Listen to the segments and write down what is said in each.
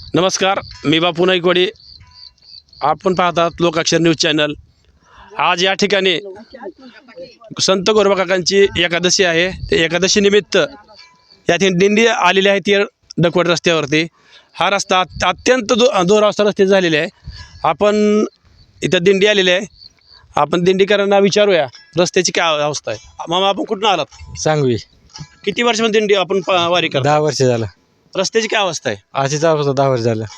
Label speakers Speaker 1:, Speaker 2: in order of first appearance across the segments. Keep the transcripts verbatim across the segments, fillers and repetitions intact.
Speaker 1: नमस्कार, मी बापू नाईकवाडी. आपण पाहतात लोकाक्षर न्यूज चॅनल. आज या ठिकाणी संत गोरोबा काकांची एकादशी आहे. ते एकादशी निमित्त या ठिकाणी दिंडी आलेली आहे ती डकवट रस्त्यावरती. हा रस्ता अत्यंत दो दोरावस्था रस्ते झालेले आहे. आपण इथं दिंडी आलेली आहे. आपण दिंडीकरांना विचारूया रस्त्याची काय अवस्था आहे. मामा, आपण कुठून आलात?
Speaker 2: सांगवी.
Speaker 1: किती वर्षापासून दिंडी आपण प- वारी करतो?
Speaker 2: दहा वर्ष झालं.
Speaker 1: रस्त्याची काय अवस्था आहे?
Speaker 2: अशीच अवस्था दहा वर्ष झालं.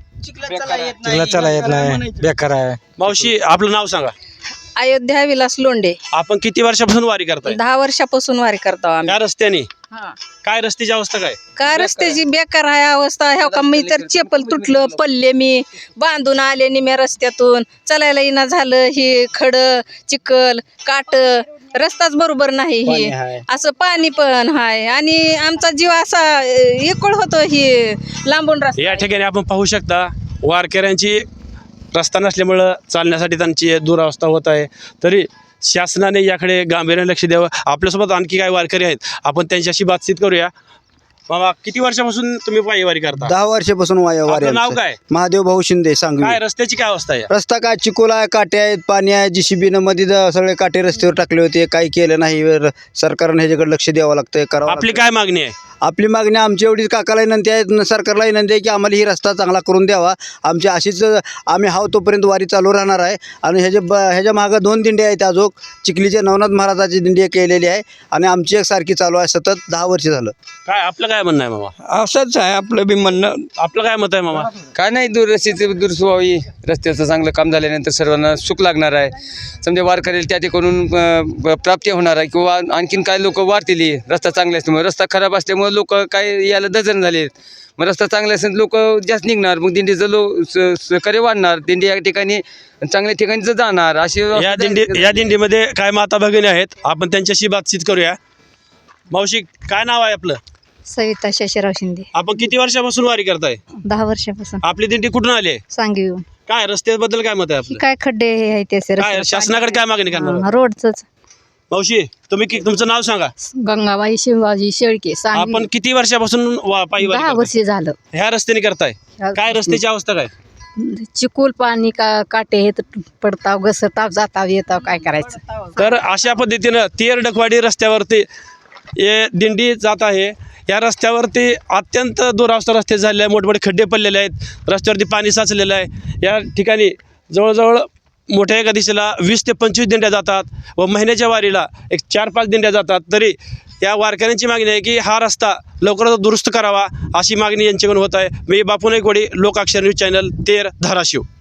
Speaker 2: चिखला चला येत नाही, बेकार आहे.
Speaker 1: मावशी, आपलं नाव सांगा.
Speaker 3: अयोध्या विलास लोंढे.
Speaker 1: आपण किती वर्षापासून वारी करताय?
Speaker 3: दहा वर्षापासून वारी करतो आम्ही.
Speaker 1: या रस्त्याने
Speaker 3: हा.
Speaker 1: काय रस्त्याची अवस्था काय?
Speaker 3: का रस्त्याची बेकार आहे अवस्था. ह्या का मी तर चेपल तुटलं पडले, मी बांधून आले निम्या रस्त्यातून. चालायला येईना झालं. ही खड चिखल काट, रस्ताच बरोबर नाही. ही असं पाणी पण हाय आणि आमचा जीव असा एकळ होतो ही लांबून रस्ता.
Speaker 1: या ठिकाणी आपण पाहू शकता वारकऱ्यांची रस्ता नसल्यामुळं चालण्यासाठी त्यांची दुरावस्था होत आहे. तरी शासनाने याकडे गांभीर्याने लक्ष द्यावं. आपल्यासोबत आणखी काही वारकरी आहेत, आपण त्यांच्याशी बातचीत करूया. बाबा, किती वर्षापासून तुम्ही पायी वारी करता?
Speaker 4: दहा वर्षापासून वाया वारी
Speaker 1: आपलं नाव
Speaker 4: आमचं.
Speaker 1: काय?
Speaker 4: महादेव भाऊ शिंदे, सांगवी.
Speaker 1: काय रस्त्याची काय अवस्था आहे?
Speaker 4: रस्ता काय चिकोला आहे, काटे आहेत, पाणी आहे. जीसीबीनं मध्ये ज- सगळे काटे रस्त्यावर टाकले होते. काही केलं नाही. वर सरकारनं ह्याच्याकडे लक्ष द्यावं लागतं, करावं
Speaker 1: आपली
Speaker 4: लागतं.
Speaker 1: काय मागणी आहे?
Speaker 4: आपली मागणी आमची एवढीच काकाला विनंती आहे, न सरकारला विनंती आहे की आम्हाला ही रस्ता चांगला करून द्यावा. आमची अशीच आम्ही हाव तोपर्यंत वारी चालू राहणार आहे. आणि ह्याच्या ब ह्याच्या मागं दोन दिंडी आहेत. अजून चिखलीचे नवनाथ महाराजाची दिंडी केलेली आहे आणि आमची एक सारखी चालू आहे सतत दहा वर्ष झालं.
Speaker 1: काय आपलं काय म्हणणं आहे मामा?
Speaker 2: असंच आहे आपलं बी म्हणणं.
Speaker 1: आपलं काय मत आहे मामा?
Speaker 2: काय नाही, दुरस्तीची दुरुस्त व्हावी. रस्त्याचं चांगलं काम झाल्यानंतर सर्वांना सुख लागणार आहे. समजा वारकऱ्याला त्या ठिकाणून अं, प्राप्ती होणार आहे किंवा आणखीन काय लोक वाढतील. रस्ता चांगला असल्यामुळे, रस्ता खराब असल्यामुळे लोक काय याला डझन झाले. मग रस्ता चांगला असेल लोक जास्त निघणार, मग दिंडीचं लो स- सहकार्य वाढणार. दिंडी या ठिकाणी चांगल्या ठिकाणी जाणार. अशी
Speaker 1: या दिंडी या दिंडीमध्ये काय माता भगिनी आहेत, आपण त्यांच्याशी बातचीत करूया. मावशी, काय नाव आहे आपलं?
Speaker 3: सविता शशीराव शिंदे.
Speaker 1: आपण किती वर्षापासून वारी करताय?
Speaker 3: दहा वर्षापासून
Speaker 1: आपली दिंडी कुठून आली आहे?
Speaker 3: सांगी येऊन.
Speaker 1: काय रस्त्याबद्दल काय मत आहे आपलं?
Speaker 3: काय खड्डे हे आहे त्याचे
Speaker 1: काय
Speaker 3: रस्ते.
Speaker 1: शासनाकडे काय मागणी करणार?
Speaker 3: रोडच.
Speaker 1: मावशी, तुम्ही कि- तुमचं नाव सांगा.
Speaker 3: गंगाबाई शिवाजी शेळके. सांगवी.
Speaker 1: आपण किती वर्षापासून वा- पायी वारी
Speaker 3: दहा
Speaker 1: करताय?
Speaker 3: वर्ष झालं.
Speaker 1: ह्या रस्त्याने करताय. काय रस्त्याची अवस्था काय?
Speaker 3: चिकोल पाणी का काटे हे पडताव घसरताव जाताव येताव, काय करायचं.
Speaker 1: तर अशा पद्धतीनं तेर डकवाडी रस्त्यावरती हे दिंडी जात आहे. या रस्त्यावरती अत्यंत दुरावस्था रस्ते झालेले आहे. मोठमोठे खड्डे पडलेले आहेत. रस्त्यावरती पाणी साचलेलं आहे. या ठिकाणी जवळजवळ मोठ्या एका दिशेला वीस ते पंचवीस दिंड्या जातात व महिन्याच्या वारीला एक चार पाच दिंड्या जातात. तरी या वारकऱ्यांची मागणी आहे की हा रस्ता लवकरात दुरुस्त करावा, अशी मागणी यांच्याकडून होत आहे. मी बापू नाईकवाडी, लोकाक्षर न्यूज चॅनल, तेर, धाराशिव.